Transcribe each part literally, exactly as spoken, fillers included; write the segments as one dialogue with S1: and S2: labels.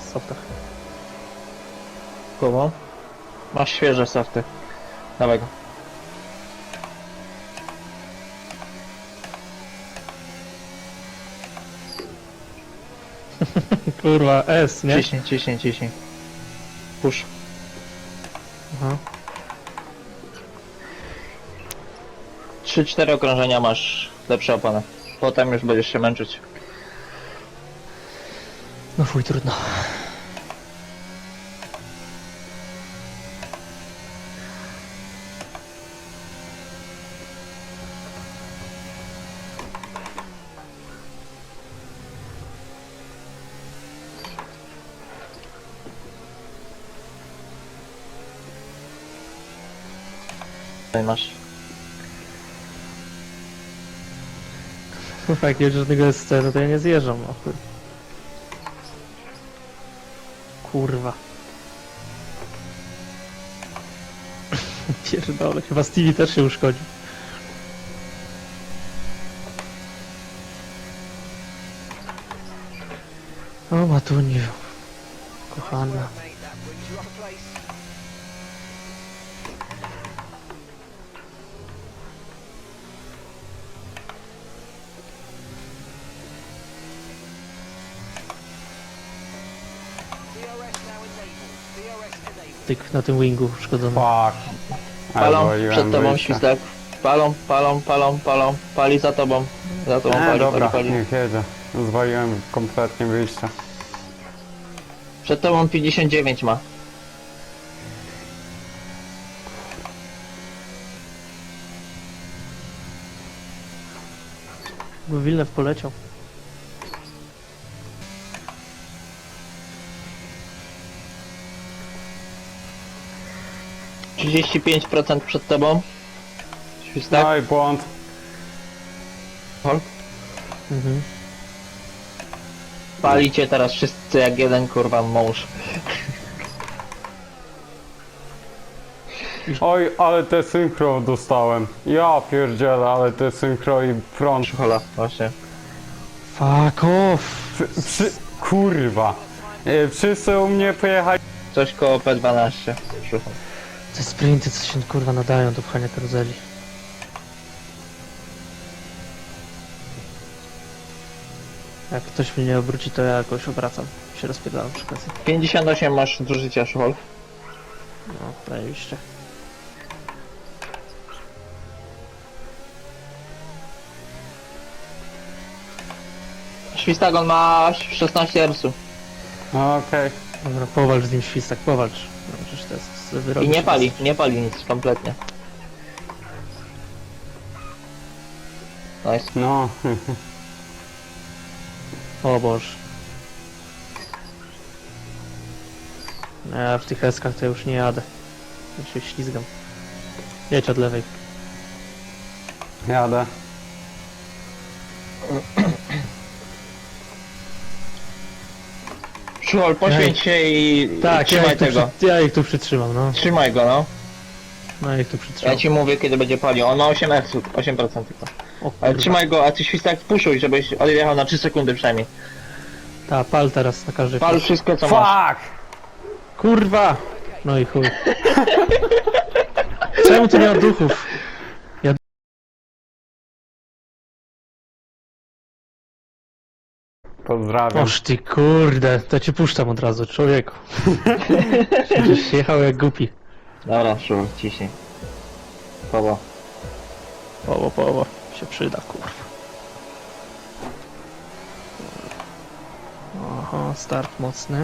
S1: softach.
S2: Koło. Masz świeże softy. Dawaj go.
S1: Kurwa, S, nie?
S2: Ciśnij, ciśnij, ciśnij. Push.
S1: Aha.
S2: trzy cztery okrążenia masz lepsze opony. Potem już będziesz się męczyć.
S1: No fuj, trudno.
S2: Tutaj masz.
S1: Kurwa, jak nie będzie żadnego S C, no to ja nie zjeżdżam, no chuj. Kurwa. Pierdolę, chyba Stevie też się uszkodzi. O Matuniu, kochana. Tyk na tym wingu uszkodzony.
S3: Fuck.
S2: Palą
S3: Odwaliłem
S2: przed tobą
S3: wyjście.
S2: świstak. Palą, palą, palą, palą. Pali za tobą. Za tobą
S3: E,
S2: pali,
S3: dobra,
S2: pali, pali.
S3: niech jedzie. Zwaliłem kompletnie wyjście.
S2: Przed tobą pięćdziesiąt dziewięć ma.
S1: Bo Wilnew poleciał.
S2: trzydzieści pięć procent przed tobą. Świstak.
S3: No i błąd.
S2: Hol.
S1: Mhm.
S2: Palicie teraz wszyscy jak jeden kurwa mąż.
S3: Oj, ale te synchro dostałem. Ja pierdzielę, ale te synchro i front.
S2: Hola, właśnie.
S1: Fuck off!
S3: Przy, przy, kurwa. E, Wszyscy u mnie pojechali.
S2: Coś koło P dwanaście. Szukam.
S1: Te sprinty, co się kurwa nadają do pchania karuzeli. Jak ktoś mnie nie obróci, to ja jakoś obracam. Się rozpierdalam przy okazji.
S2: pięćdziesiąt osiem masz do życia, Szuchol.
S1: No, zajebiście.
S2: Świstagon ma szesnaście ersu.
S3: Okej.
S1: Dobra, powalcz z nim świstak, powalcz. No, przecież to jest wyrok.
S2: I nie pali, nie pali nic kompletnie. Nice.
S3: No.
S1: O Boże. Ja w tych eskach to już nie jadę. Ja się ślizgam. Jedź od lewej.
S3: Jadę.
S2: Szuchol, poświęć się i
S1: Tak, ja
S2: trzymaj
S1: ich, tu
S2: tego.
S1: przy, ja ich tu przytrzymam, no.
S2: Trzymaj go, no.
S1: No ja ich tu przytrzymam.
S2: Ja ci mówię, kiedy będzie palił. On ma osiem ersu, osiem procent tylko.
S1: O
S2: Ale
S1: kurwa.
S2: trzymaj go, a ty świstak puszuj, żebyś odjechał na trzy sekundy przynajmniej.
S1: Ta, pal teraz na każdy
S2: Pal
S1: chwilę.
S2: wszystko co masz.
S3: Fuck!
S1: Kurwa! No i chuj. Czemu tu nie ma duchów?
S3: Pozdrawiam.
S1: Oż ty kurde, to cię puszczam od razu, człowieku. Przecież jechał jak głupi.
S2: Dobra, Szuchol, ciśnij. Powo.
S1: Poło, poło. Się przyda, kurwa. Oho, start mocny.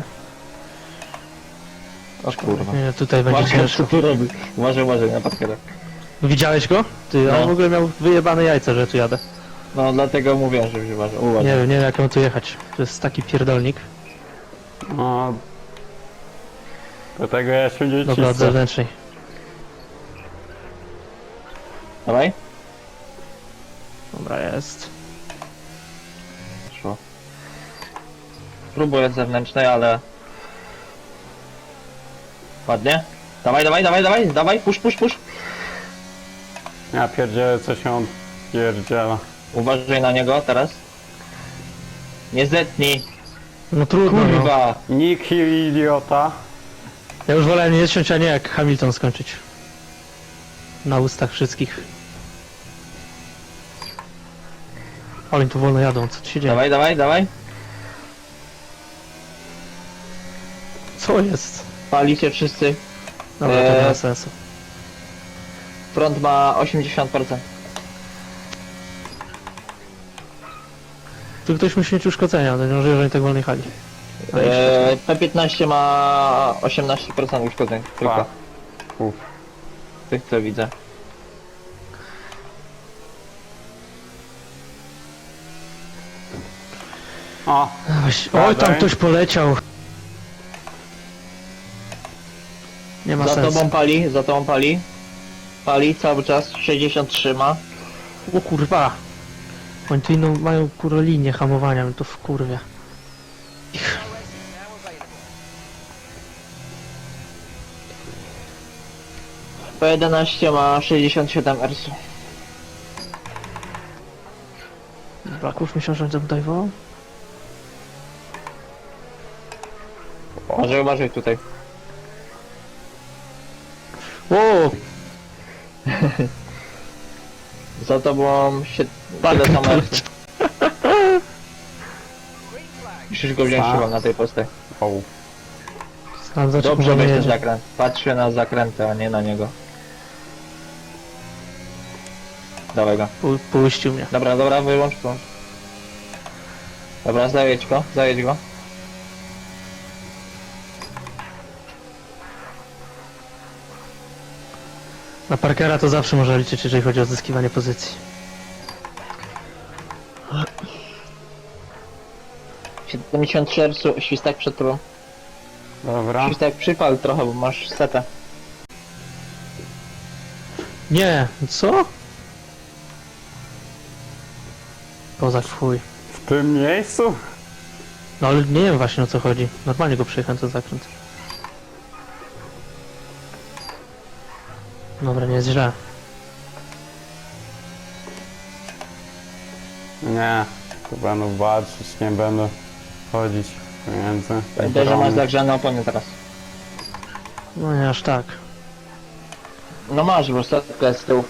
S2: O kurwa.
S1: Nie, tutaj będzie
S2: Uważaj, co
S1: ciężko.
S2: tu robi. Uważaj, uważaj na parkerach.
S1: Widziałeś go? Ty,
S2: No.
S1: on w ogóle miał wyjebane jajca, że tu jadę.
S2: No dlatego mówię, żebyś uważał. Uważaj.
S1: Nie wiem, nie wiem jak mam tu jechać. To jest taki pierdolnik.
S3: No. Dlatego ja się nie
S1: Dobra, od
S3: cisnę.
S1: zewnętrznej.
S2: Dawaj.
S1: Dobra, jest.
S2: Szło. Próbuję z zewnętrznej, ale... Ładnie. Dawaj, dawaj, dawaj, dawaj, dawaj, push, push, push.
S3: Ja pierdzielę, co się on pierdziela.
S2: Uważaj na niego teraz. Nie zetnij.
S1: No trudno, no.
S2: Kurwa!
S3: Nick Hill, idiota.
S1: Ja już wolę nie ciąć, a nie jak Hamilton skończyć. Na ustach wszystkich. Ale oni tu wolno jadą, co tu się dzieje?
S2: Dawaj, dawaj, dawaj.
S1: Co jest?
S2: Palicie wszyscy.
S1: Dobra, to nie ma
S2: Eee.
S1: sensu.
S2: Front ma osiemdziesiąt procent.
S1: Tu ktoś musi mieć uszkodzenia, to nie może, że oni tak wolno jechali. A jeszcze-
S2: Eee, P piętnaście ma osiemnaście procent uszkodzeń. Tylko
S3: Pa. Uf.
S2: tych co widzę.
S3: O,
S1: Weź- Oj, tam
S3: Dawaj.
S1: ktoś poleciał. Nie ma
S2: Za
S1: sensu.
S2: tobą pali, za tobą pali. Pali cały czas, sześćdziesiąt trzy ma.
S1: O kurwa. Oni tu inną mają kurwa linię hamowania, mnie to wkurwia.
S2: P jedenaście ma sześćdziesiąt siedem R S.
S1: Braków myślał, że on tam tutaj wołał?
S2: Może uważaj tutaj.
S1: O!
S2: Za tobą się...
S1: Tak,
S2: tyle samo R
S1: poleci-
S2: S. Musisz go wziąć
S3: A.
S2: chyba na tej postej.
S3: o.
S1: Znam za czym
S2: Dobrze
S1: on
S2: weź ten
S1: jedzie.
S2: zakręt. Patrzę na zakręty, a nie na niego. Dawaj go.
S1: Pu- Puścił mnie.
S2: Dobra, dobra, wyłącz, wyłącz. Dobra, zajedź go, zajedź go.
S1: Na Parkera to zawsze można liczyć, jeżeli chodzi o odzyskiwanie pozycji.
S2: siedemdziesiąt trzy R S, świstak przed tobą.
S3: Dobra.
S2: Świstak przypal trochę, bo masz setę.
S1: Nie, co? Kozak w chuj.
S3: W tym miejscu?
S1: No ale nie wiem właśnie o co chodzi. Normalnie go przejechałem ten zakręt. Dobra, nie jest źle.
S3: Nie. Tu będę walczyć, nie będę chodzić pomiędzy.
S2: Pamiętaj, że masz zagrzane opony teraz.
S1: No nie aż tak.
S2: No masz, bo setka jest z tyłu.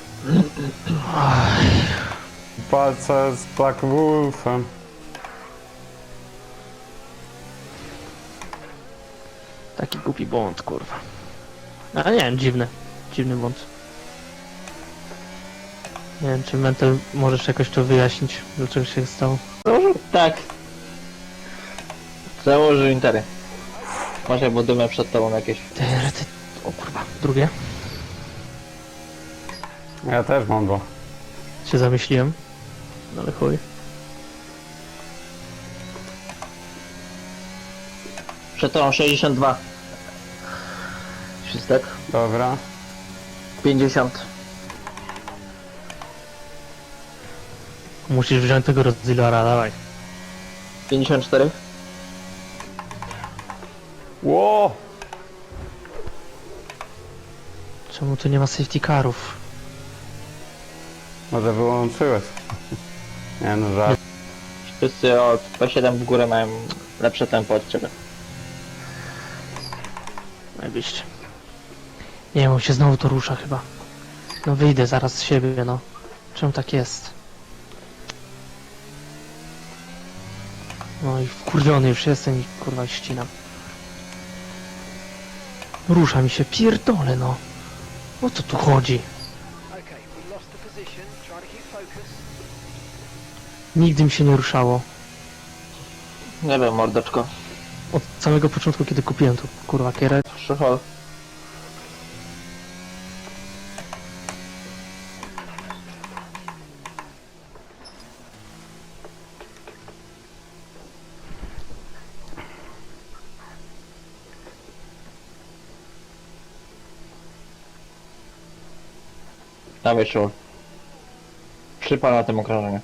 S3: Walczę z Black Wolfem.
S1: Taki głupi błąd, kurwa. A nie wiem, dziwny. Dziwny błąd. Nie wiem, czy Mental możesz jakoś to wyjaśnić, dlaczego się stało.
S2: Założył? Tak. Założył intery. Może bo dymy przed tobą jakieś.
S1: Ty, ty, o kurwa, drugie.
S3: Ja też mam go.
S1: Się zamyśliłem. No ale chuj.
S2: Przed tobą sześćdziesiąt dwa. Świstak.
S3: Dobra.
S2: pięćdziesiąt.
S1: Musisz wziąć tego Rodzilora, dawaj.
S2: pięćdziesiąt cztery.
S3: Ło!
S1: Czemu tu nie ma safety carów?
S3: Może wyłączyłeś. Nie no, żart.
S2: Wszyscy od P siedem w górę mają lepsze tempo od ciebie.
S1: Najbyście. Nie wiem, on się znowu to rusza chyba. No wyjdę zaraz z siebie, no. Czemu tak jest? No i wkurwiony już jestem i kurwa ścinam. Rusza mi się, pierdolę no. O co tu chodzi?
S4: Okay, we lost the position. Try to keep focus.
S1: Nigdy mi się nie ruszało.
S2: Nie wiem, mordeczko.
S1: Od samego początku, kiedy kupiłem tu kurwa kierę.
S2: Przychol. Dawaj, szur. Przypal na tym okrążeniu.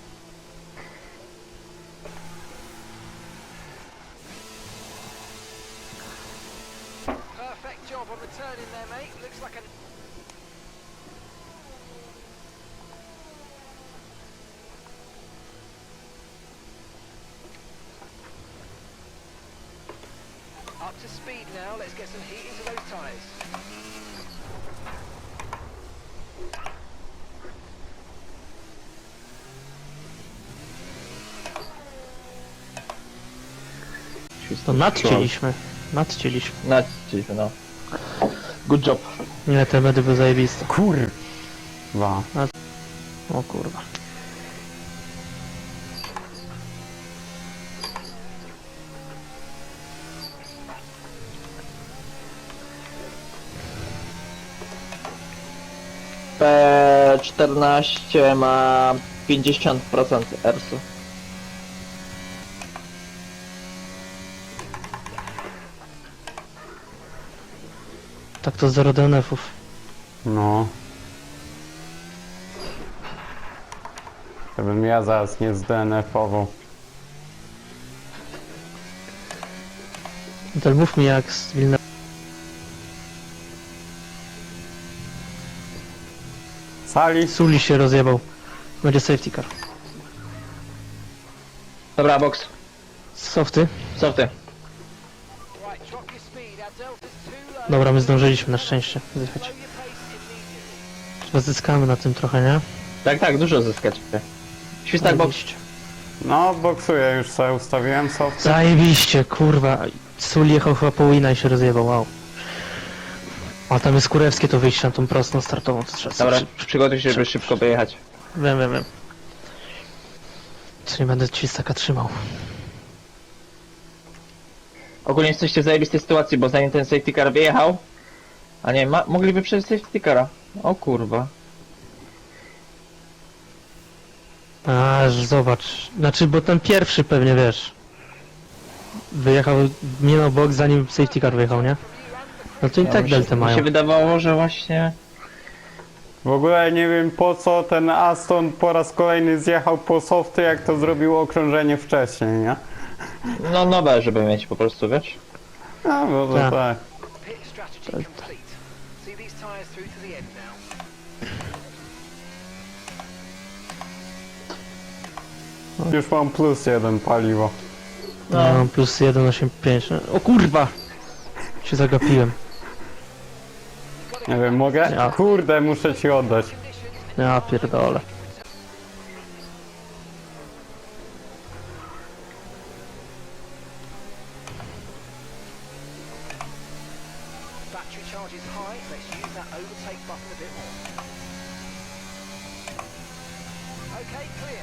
S4: Perfect job on the turn in there, mate. Looks like a speed now. Let's get some heat into those tyres.
S1: To nadcięliśmy. Nadcięliśmy.
S2: Naciśnij, no. Good job.
S1: Nie, te medy były zajebiste.
S3: Kurwa.
S1: O kurwa.
S2: P czternaście ma pięćdziesiąt procent ersu.
S1: Tak to zero D N F-ów.
S3: No. Żebym ja zaraz nie zdenerwował.
S1: To mów mi jak z Wilna...
S3: Sali?
S1: Suli się rozjebał. Będzie safety car.
S2: Dobra, box.
S1: Softy?
S2: Softy.
S4: Right, drop your speed. Our delta's too low.
S1: Dobra, my zdążyliśmy na szczęście zjechać.
S4: Slow your pace immediately.
S1: Chyba zyskamy na tym trochę, nie?
S2: Tak, tak, dużo zyskać. Świstak box.
S1: Zajebiście.
S3: No, boksuję, już sobie ustawiłem soft.
S1: Zajebiście, kurwa. Suli jechał chyba po wina i się rozjebał, wow. A tam jest kurewskie to wyjście na tą prostą startową, to trzeba
S2: Dobra,
S1: sobie-
S2: przygotuj się, żeby szybko wyjechać.
S1: Wiem, wiem, wiem. Co nie będę ci taka trzymał.
S2: Ogólnie jesteście w zajebistej sytuacji, bo zanim ten safety car wyjechał... A nie, ma, mogliby przejść safety cara. O kurwa.
S1: Aż zobacz. Znaczy, bo ten pierwszy pewnie wiesz. Wyjechał, minął bok zanim safety car wyjechał, nie? No to i
S2: Ja
S1: tak
S2: mi się-
S1: deltę
S2: Mi
S1: mają.
S2: się wydawało, że właśnie...
S3: W ogóle nie wiem po co ten Aston po raz kolejny zjechał po softy, jak to zrobiło okrążenie wcześniej, nie?
S2: No nowe, żeby mieć po prostu, wiesz?
S3: No, bo to
S1: Tak.
S3: tak.
S4: Pit strategy complete. See these tyres through to the end now.
S3: Już mam plus jeden paliwo.
S1: No, plus jeden osiem pięć. O kurwa! Się zagapiłem.
S3: Nie wiem, mogę?
S1: Ja.
S3: Kurde, muszę ci oddać.
S1: Ja pierdolę.
S4: Battery charge is high. Let's use that overtake button a bit more. Okay, clear.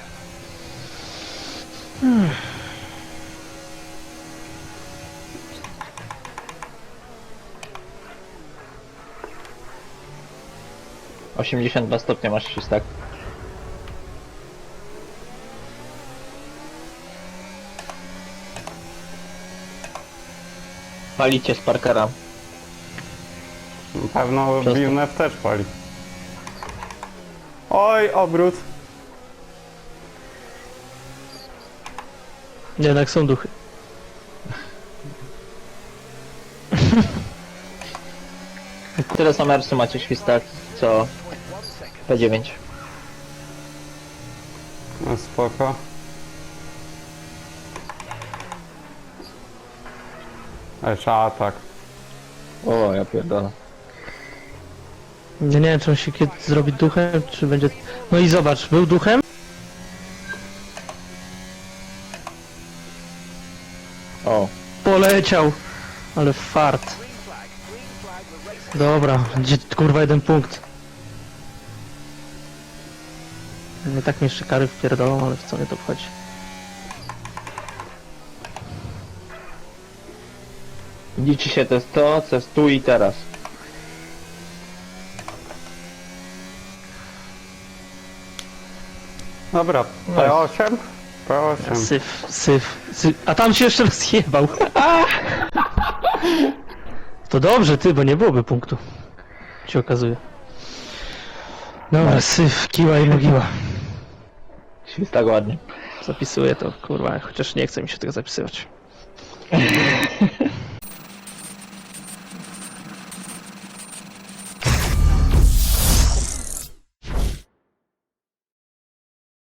S2: osiemdziesiąt dwa stopnie masz świstak. Palicie z Parkera.
S3: Na pewno
S2: Przez to.
S3: Villeneuve też pali. Oj, obrót.
S1: Jednak są duchy.
S2: Tyle samo ersu macie świstak, co P dziewięć.
S3: No spoko. Jeszcze atak.
S2: O, ja pierdolę.
S1: Ja nie wiem, czy on się kiedy zrobi duchem, czy będzie... No i zobacz, był duchem?
S2: O,
S1: Poleciał! Ale fart.
S4: Green flag. Green flag. We're racing.
S1: Dobra, gdzie kurwa jeden punkt. Nie tak mnie jeszcze kary wpierdolą, ale w co mnie to wchodzi.
S2: liczy się to jest to, co jest tu i teraz.
S3: Dobra, P osiem? P osiem.
S1: Syf, syf, syf. A tam się jeszcze rozjebał. To dobrze, ty, bo nie byłoby punktu. Ci okazuje. Dobra, syf, kiła i mogiła.
S2: Świstak ładnie.
S1: Zapisuję to, kurwa, chociaż nie chce mi się tego zapisywać.